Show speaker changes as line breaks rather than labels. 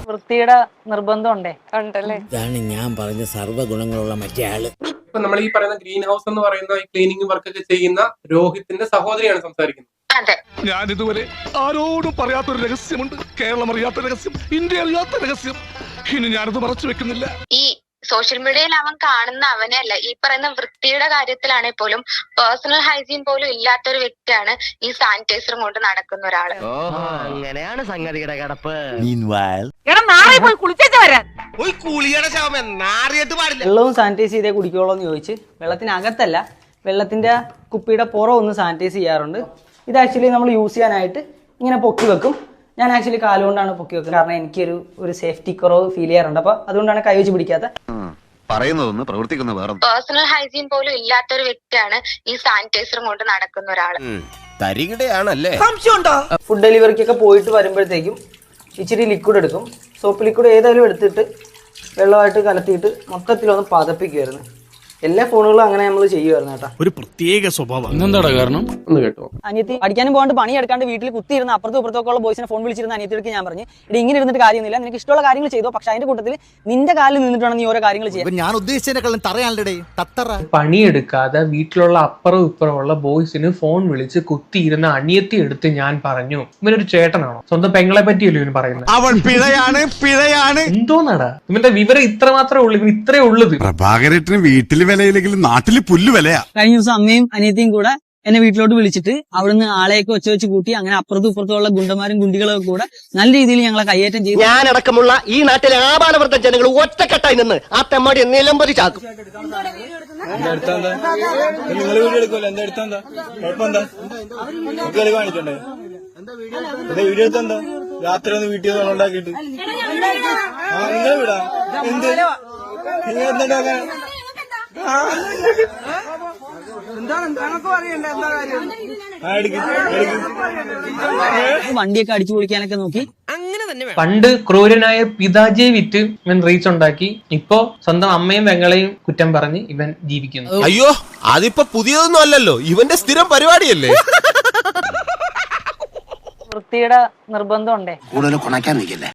വൃത്തിയുടെ നിർബന്ധം ഉണ്ടല്ലേ?
ഇതാണ് ഞാൻ പറഞ്ഞ സർവ്വഗുണങ്ങളുള്ള മറ്റേ ആള്.
ഇപ്പൊ നമ്മൾ ഈ പറയുന്ന ഗ്രീൻ ഹൗസ് എന്ന് പറയുന്ന ക്ലീനിങ് വർക്ക് ഒക്കെ ചെയ്യുന്ന രോഹിത്തിന്റെ സഹോദരിയാണ് സംസാരിക്കുന്നത്.
ഞാൻ ഇതുവരെ ആരോടും പറയാത്തൊരു രഹസ്യമുണ്ട്. കേരളം അറിയാത്ത രഹസ്യം, ഇന്ത്യ അറിയാത്ത രഹസ്യം. ഇനി ഞാനത് മറച്ചു വെക്കുന്നില്ല.
ഈ സോഷ്യൽ മീഡിയയിൽ അവൻ കാണുന്ന അവനെയല്ല, ഈ പറയുന്ന വൃത്തിയുടെ കാര്യത്തിലാണെങ്കിൽ പോലും പേഴ്സണൽ ഹൈജീൻ പോലും ഇല്ലാത്തൊരു വ്യക്തിയാണ് ഈ സാനിറ്റൈസറും കൊണ്ട് നടക്കുന്ന ഒരാള്.
അങ്ങനെയാണ് സംഗതിയുടെ കിടപ്പ്.
വെള്ളവും സാനിറ്റൈസ് ചെയ്തേ കുടിക്കുള്ളൂ എന്ന് ചോദിച്ച് വെള്ളത്തിനകത്തല്ല, വെള്ളത്തിന്റെ കുപ്പിയുടെ പുറം ഒന്ന് സാനിറ്റൈസ് ചെയ്യാറുണ്ട്. ഇത് ആക്ച്വലി നമ്മൾ യൂസ് ചെയ്യാനായിട്ട് ഇങ്ങനെ പൊക്കി വെക്കും. ഞാൻ ആക്ച്വലി കാലുകൊണ്ടാണ് പൊക്കി വെക്കുന്നത്, കാരണം എനിക്കൊരു സേഫ്റ്റി കുറവ് ഫീൽ ചെയ്യാറുണ്ട്. അപ്പൊ അതുകൊണ്ടാണ് കൈ വെച്ച് പിടിക്കാത്ത.
പറയുന്നതൊന്ന് പ്രവർത്തിക്കുന്ന വേറെ.
പേഴ്സണൽ ഹൈജീൻ പോലും ഇല്ലാത്തൊരു വ്യക്തിയാണ് ഈ സാനിറ്റൈസറും കൊണ്ട് നടക്കുന്ന ഒരാള്.
ഫുഡ് ഡെലിവറിക്കൊക്കെ പോയിട്ട് വരുമ്പോഴത്തേക്കും ഇച്ചിരി ലിക്വിഡ് എടുക്കും. സോപ്പ് ലിക്വിഡ് ഏതായാലും എടുത്തിട്ട് വെള്ളമായിട്ട് കലത്തിയിട്ട് മൊത്തത്തിലൊന്ന് പതപ്പിക്കുമായിരുന്നു. എല്ലാ ഫോണുകളും അങ്ങനെ നമ്മൾ ചെയ്യുമായിരുന്നു കേട്ടോ.
ഒരു പ്രത്യേക സ്വഭാവം. എന്താടാ കാരണം?
ഒന്ന് കേട്ടോ.
അനിയത്തി പഠിക്കാനും പോകാണ്ട് പണിയെടുക്കാണ്ട് വീട്ടിൽ കുത്തിയിരുന്ന അപ്പുറത്തും ഇപ്പുറത്തൊക്കെ ഉള്ള ബോയ്സിനെ ഫോൺ വിളിച്ചിരുന്ന അനിയത്തിക്ക് ഞാൻ പറഞ്ഞു, ഇത് ഇങ്ങനെ ഇരുന്നിട്ട് കാര്യമൊന്നുമില്ല, നിനക്ക് ഇഷ്ടമുള്ള കാര്യങ്ങൾ ചെയ്തോ, പക്ഷെ അതിന്റെ കൂട്ടത്തിൽ നിന്റെ കാലിൽ നിന്നിട്ടാണ് നീ ഓരോ കാര്യങ്ങൾ ചെയ്യാൻ.
ഞാൻ ഉദ്ദേശിച്ചതിനെക്കാളും തറയാണല്ലേ തത്തറ.
പണിയെടുക്കാതെ വീട്ടിലുള്ള അപ്പുറവും ഇപ്പുറമുള്ള ബോയ്സിന് ഫോൺ വിളിച്ച് കുത്തിയിരുന്ന അനിയത്തി എടുത്ത് ഞാൻ പറഞ്ഞു, ഇവനൊരു ചേട്ടനാണോ? സ്വന്തം പെങ്ങളെ പറ്റിയല്ലോ ഇവന് പറയുന്നത്.
അവൻ പിഴയാണ്.
എന്തോന്നാടാ ഇവന്റെ വിവരം ഇത്ര മാത്രമേ ഉള്ളൂ, ഇവൻ ഇത്രേ ഉള്ളത്.
പ്രഭാകരേട്ടന് വീട്ടില് വിലയില്ലെങ്കിലും നാട്ടില് പുല്ല് വിലയാ.
കഴിഞ്ഞ ദിവസം അമ്മയും അനിയത്തിയും കൂടെ എന്നെ വീട്ടിലോട്ട് വിളിച്ചിട്ട് അവിടുന്ന് ആളെയൊക്കെ വെച്ച് കൂട്ടി അങ്ങനെ അപ്പുറത്തും ഇപ്പുറത്തുള്ള ഗുണ്ടന്മാരും ഗുണ്ടികളൊക്കെ കൂടെ നല്ല രീതിയിൽ ഞങ്ങളെ കയ്യേറ്റം ചെയ്തു.
ഞാനടക്കമുള്ള ഈ നാട്ടിലെ ആപാലവൃദ്ധ ജനങ്ങൾ ഒറ്റക്കെട്ടായി നിന്ന് ആ തെമ്മാടി നിലമ്പതി ചാക്കും.
നിങ്ങൾ വീഡിയോ എടുക്കുമല്ലോ, എന്താ എടുത്താ കുഴപ്പമെന്താ? കാണിക്കണ്ടേ? വീഡിയോ എടുത്താ രാത്രി ഒന്ന് വീട്ടിൽ ഉണ്ടാക്കിയിട്ട് എന്താ വിടാ? എന്ത് എന്താ
വണ്ടിയൊക്കെ അടിച്ചു പൊളിക്കാനൊക്കെ നോക്കി.
പണ്ട് ക്രൂരനായ പിതാജിയെ വിറ്റ് ഇവൻ റീച്ച് ഉണ്ടാക്കി. ഇപ്പോ സ്വന്തം അമ്മയും പെങ്ങളെയും കുറ്റം പറഞ്ഞ് ഇവൻ ജീവിക്കുന്നു.
അയ്യോ, അതിപ്പോ പുതിയതൊന്നും അല്ലല്ലോ, ഇവന്റെ സ്ഥിരം പരിപാടിയല്ലേ.
വൃത്തിയുടെ നിർബന്ധം
കൂടുതൽ കൊണക്കാൻ നിൽക്കല്ലേ.